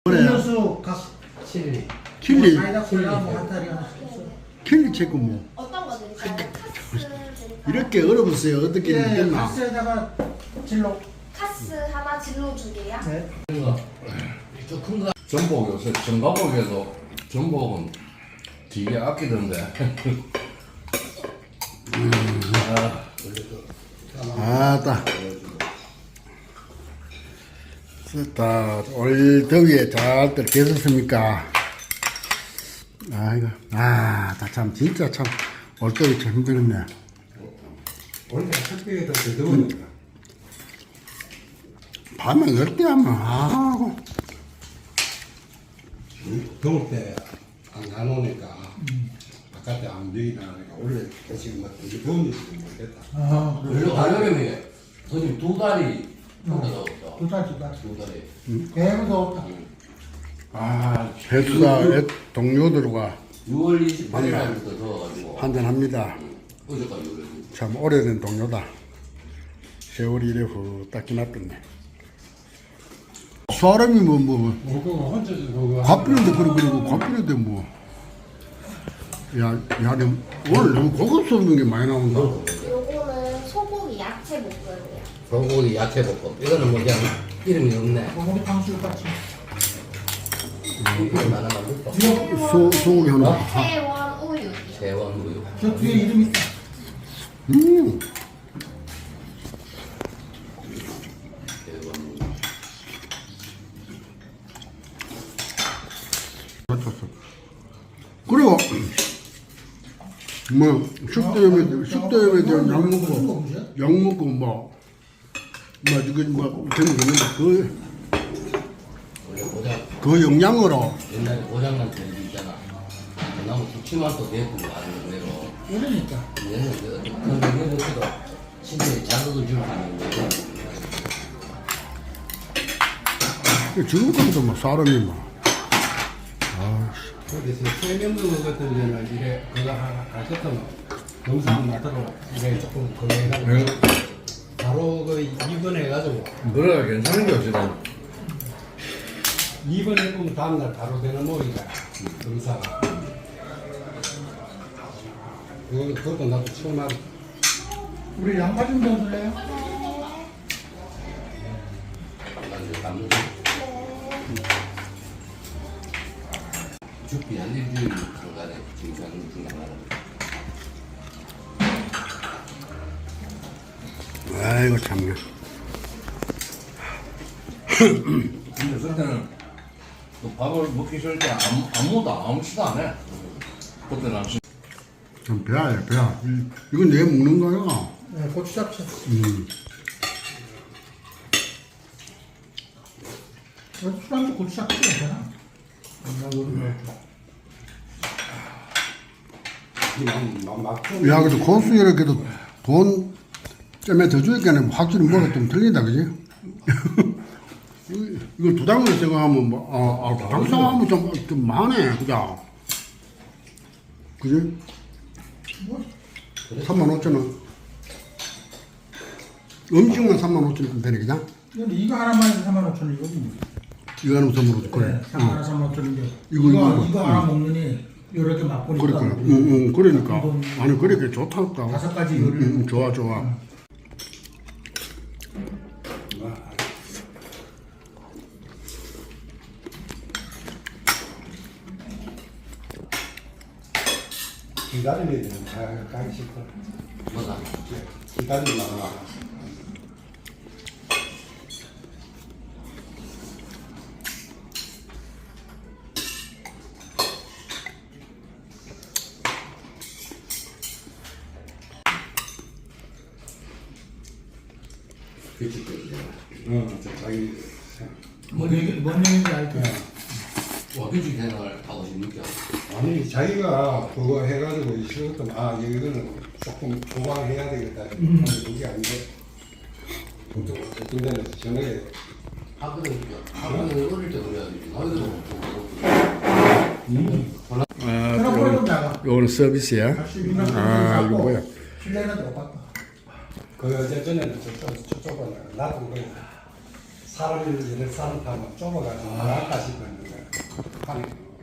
음료수 각 칠리. 킬리 사이다 콜라 뭐 한 달이 하나씩 있어. 킬리 체크 뭐 어떤 거 드릴까요? 카스 드릴까요? 이렇게 어려웠어요. 어떻게 예, 됐나? 카스에다가 진로. 카스 하나, 진로 두 개야? 네. 큰 거. 전복 요새 전가복에도 전복은 되게 아끼던데. 아따 됐다. 올 더위에 잘들 계셨습니까? 아이고 참 진짜 참 올더위 참 힘들었네. 원래 특별히 더 더우니까 밤에 10대 하면 아이고 더울 때 안 오니까 바깥에 안 되긴 하니까 원래 지금 뭐 되게 더운 일이 모르겠다. 아, 원래 가려면 손님 두 달이 혼자 나왔다. 두 달, 두 달. 두 달에. 배도 더웠다. 회수사 동료들과 6월 28일부터 더워가지고 한잔합니다. 어제까지 그래. 참 오래된 동료다. 세월이 이래 후딱 지났겠네. 사람이 그거 혼자 그거 갚이는데 그리고 갚이는데 오늘 너무 고급스러운 게 많이 나온다. 요거는 소고기 야채 볶음이야. 소고기 야채 볶음. 이거는 뭐 그냥 이름이 없네. 소고기 탕수육 같이. 이름 하나만 넣고. 소고기 하나. 세원 우유. 세원 우유. 저 뒤에 이름 있다. 음. 세원 우유. 맞췄어. 그리고 뭐 식도염에 대한 약 먹고 재밌는데 원래 고장. 그 영양으로 옛날에 고장난 텔레비 있잖아. 나무 기침만 또 대고 하는 대로. 그러니까. 얘는 그 신체에 자극을 줄 수 있는데. 지금까지도 사람이 그래서 세면도 같은 데는 이래 그거 하나 가셨던 영상 나도록 이래 조금 그거 해가지고 바로 그 입원해가지고 그래 괜찮은 게 없지만 입원해보면 다음날 바로 되는 모이가 검사가 그것도 나도 처음 알았어. 우리 양파 좀 넣어줄래요? 죽기 한 일주일 중간에 증상 중에 하나를. 아이고 참네. 근데 그때는 그 밥을 먹기 싫을 때 아무것도 안 해. 그때는 좀 배야. 이건 내 먹는 거야. 네, 고추 잡채. 술안주 고추 잡채 괜찮아. 야, 그래도 고수 이렇게도 돈 쯤에 더 주니까 확실히 뭐가 좀 틀린다, 그지? 이걸 두 당을 생각하면 당 생각하면 좀 많네, 그죠? 그지? 35,000원. 음식만 35,000원 되네, 그죠? 근데 이거 하나만 해도 35,000원이거든요. 이거 하는 선물로, 그래. 하나 35,000원인데. 이거. 이거 하나 먹느니 여러 개 맛보니까. 그러니까. 아니, 그렇게 좋다. 다섯 가지 요리를. 좋아. 기다리면 가기 싫다. 뭐가? 기다리면 나가. 자기 뭔 얘기인지 알죠? 와, 휴직 생활 하고 싶니까? 아니 자기가 그거 해가지고 싫었던 이거는 조금 조방해야 되겠다. 그게 아닌데 어떤 데는 저녁에 학교는 어릴 때 그래야 되지. 나이도 그럼 좀 나가. 요거는 서비스야. 이거 뭐야? 실내는 똑같다. 그 전에는 저쪽은 나도 그 사람을 사람 타면 좁아가지고 나갈까 싶었는데 착하네.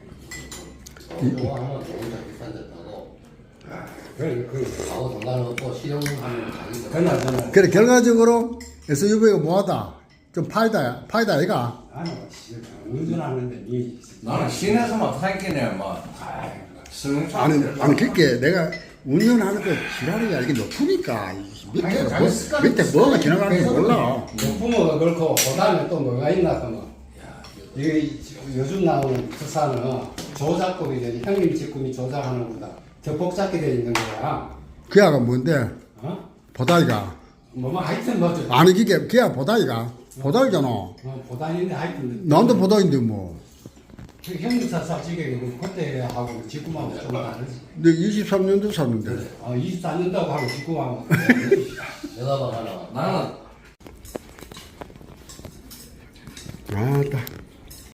이거 하면 좋은 데 비싼 데 타고 그래, 하고 상관없고 실용하면 자기가 그나저나. 그래 결과적으로 SUV가 뭐하다 좀 파이다 아이가 아니, 운전하는데 니. 나는 시내에서만 타있겠네, 막. 승용차. 아니 그렇게 내가 운전하는 거 지랄이야 이게 높으니까 밑에 자기 습관이 밑에 뭐가 지나가는지 계속 몰라. 부모가 그렇고, 그 다음에 또 뭐가 있나 하면, 이게 요즘 나오는 특사는 조작법이 되지, 형님 직군이 조작하는 것보다 더 복잡하게 돼 있는 거야. 그 아가 뭔데 어? 보다이가 뭐 하여튼 뭐죠. 아니 그게 보다이가 보다이잖아. 보다니는데 하여튼. 나도 보다인데 뭐. 그 형님사 삽지게 그때 하고 직구하고 좀 다르지. 내 23년도 샀는데. 24년도하고 하고 직구하고. 내가 봐 하나 나는 아따.